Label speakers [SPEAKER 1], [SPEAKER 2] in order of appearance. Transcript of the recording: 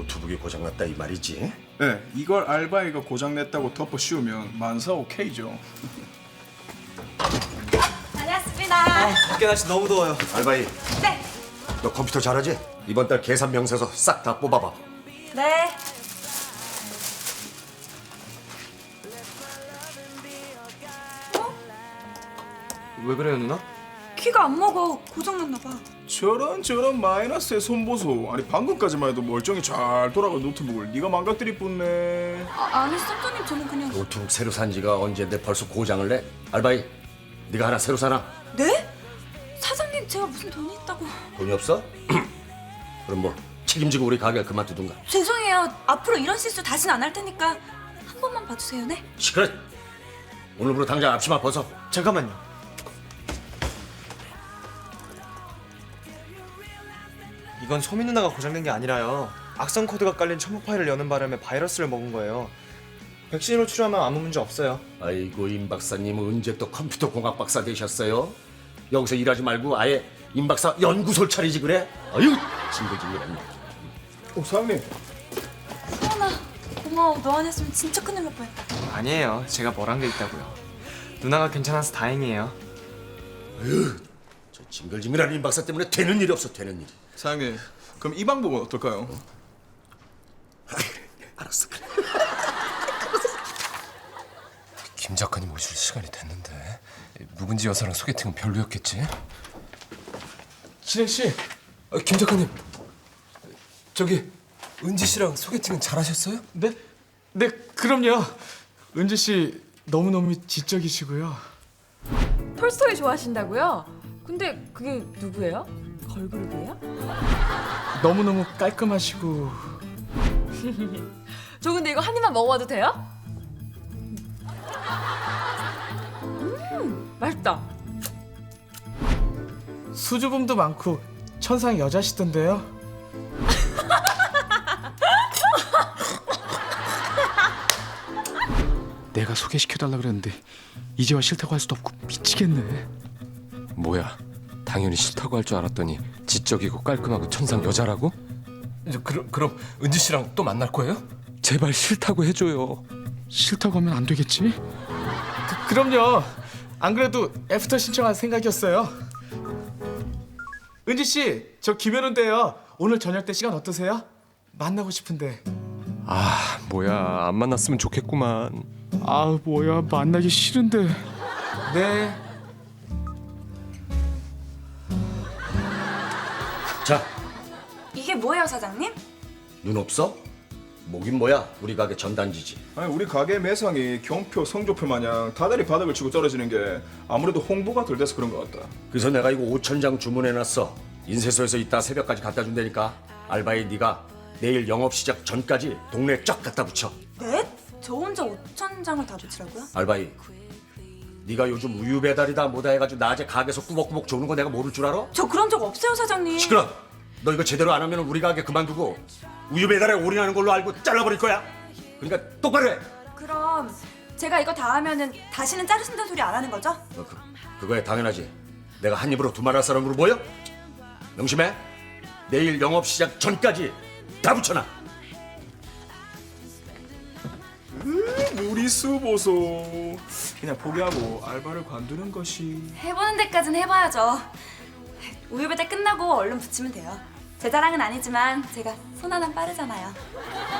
[SPEAKER 1] 노트북이 고장났다 이 말이지?
[SPEAKER 2] 네, 이걸 알바이가 고장냈다고 덮어 씌우면 만사 오케이죠.
[SPEAKER 3] 다녀왔습니다.
[SPEAKER 4] 밖에 날씨 너무 더워요.
[SPEAKER 1] 알바이,
[SPEAKER 3] 네.
[SPEAKER 1] 너 컴퓨터 잘하지? 이번 달 계산 명세서 싹 다 뽑아봐.
[SPEAKER 3] 네.
[SPEAKER 4] 왜 그래요, 누나?
[SPEAKER 3] 키가 안 먹어. 고장났나 봐.
[SPEAKER 2] 저런 마이너스의 손보소. 아니 방금까지만 해도 멀쩡히 잘 돌아간 노트북을 네가 망가뜨릴 뿐네.
[SPEAKER 3] 아니 선장님 저는 그냥.
[SPEAKER 1] 노트북 새로 산 지가 언제인데 벌써 고장을 내? 알바이, 네가 하나 새로 사나?
[SPEAKER 3] 네? 사장님 제가 무슨 돈이 있다고.
[SPEAKER 1] 돈이 없어? 그럼 뭐 책임지고 우리 가게 그만두든가.
[SPEAKER 3] 죄송해요. 앞으로 이런 실수 다시는 안 할 테니까 한 번만 봐주세요. 네?
[SPEAKER 1] 시끄러. 오늘부로 당장 앞치마 벗어.
[SPEAKER 4] 잠깐만요. 이건 소민 누나가 고장낸 게 아니라요. 악성 코드가 깔린 첨부 파일을 여는 바람에 바이러스를 먹은 거예요. 백신으로 치료하면 아무 문제 없어요.
[SPEAKER 1] 아이고 임 박사님은 언제 또 컴퓨터 공학 박사 되셨어요? 여기서 일하지 말고 아예 임 박사 연구소를 차리지 그래? 아유 징글징글했네.
[SPEAKER 2] 사장님.
[SPEAKER 3] 수원아 고마워. 너 안 했으면 진짜 큰일 날 뻔했다.
[SPEAKER 4] 아니에요. 제가 뭘 한 게 있다고요. 누나가 괜찮아서 다행이에요.
[SPEAKER 1] 저 징글징글한 임 박사 때문에 되는 일이 없어 되는 일이.
[SPEAKER 2] 사장님, 그럼 이 방법은 어떨까요?
[SPEAKER 1] 알았어 그래.
[SPEAKER 5] 김 작가님 오실 시간이 됐는데 묵은지 여사랑 소개팅은 별로였겠지? 진행 씨, 김 작가님, 저기 은지 씨랑 소개팅은 잘하셨어요?
[SPEAKER 6] 네? 네, 그럼요. 은지 씨 너무너무 지적이시고요.
[SPEAKER 7] 톨스토이 좋아하신다고요? 근데 그게 누구예요? 걸그룹이에요?
[SPEAKER 6] 너무너무 깔끔하시고.
[SPEAKER 7] 저 근데 이거 한 입만 먹어봐도 돼요? 맛있다.
[SPEAKER 6] 수줍음도 많고 천상 여자시던데요. 내가 소개시켜달라 그랬는데 이제와 싫다고 할 수도 없고 미치겠네.
[SPEAKER 5] 뭐야, 당연히 싫다고 할 줄 알았더니 지적이고 깔끔하고 천상 여자라고? 그럼 은지 씨랑 또 만날 거예요? 제발 싫다고 해줘요.
[SPEAKER 6] 싫다고 하면 안 되겠지? 그럼요. 안 그래도 애프터 신청할 생각이었어요. 은지 씨, 저 김현우인데요. 오늘 저녁 때 시간 어떠세요? 만나고 싶은데.
[SPEAKER 5] 아, 뭐야, 안 만났으면 좋겠구만.
[SPEAKER 6] 아, 뭐야, 만나기 싫은데. 네.
[SPEAKER 1] 자,
[SPEAKER 3] 이게 뭐예요 사장님?
[SPEAKER 1] 눈 없어? 뭐긴 뭐야? 우리 가게 전단지지.
[SPEAKER 2] 아니 우리 가게 매상이 경표, 성적표 마냥 다달이 바닥을 치고 떨어지는 게 아무래도 홍보가 덜 돼서 그런 것 같다.
[SPEAKER 1] 그래서 내가 이거 5,000장 주문해놨어. 인쇄소에서 이따 새벽까지 갖다 준다니까. 알바이 네가 내일 영업 시작 전까지 동네에 쫙 갖다 붙여.
[SPEAKER 3] 네? 저 혼자 5,000장을 다 붙이라고요?
[SPEAKER 1] 알바이, 네가 요즘 우유 배달이다 뭐다 해가지고 낮에 가게에서 꾸벅꾸벅 조는 거 내가 모를 줄 알아?
[SPEAKER 3] 저 그런 적 없어요 사장님.
[SPEAKER 1] 시끄러. 너 이거 제대로 안 하면 우리 가게 그만두고 우유 배달에 올인하는 걸로 알고 잘라버릴 거야. 그러니까 똑바로 해.
[SPEAKER 3] 그럼 제가 이거 다 하면은 다시는 자르신다는 소리 안 하는 거죠?
[SPEAKER 1] 너 그거야 당연하지. 내가 한 입으로 두말할 사람으로 보여? 명심해. 내일 영업 시작 전까지 다 붙여놔.
[SPEAKER 2] 무리수 보소. 그냥 포기하고 알바를 관두는 것이.
[SPEAKER 3] 해보는 데까진 해봐야죠. 우유 배달 끝나고 얼른 붙이면 돼요. 제 자랑은 아니지만 제가 손 하나 빠르잖아요.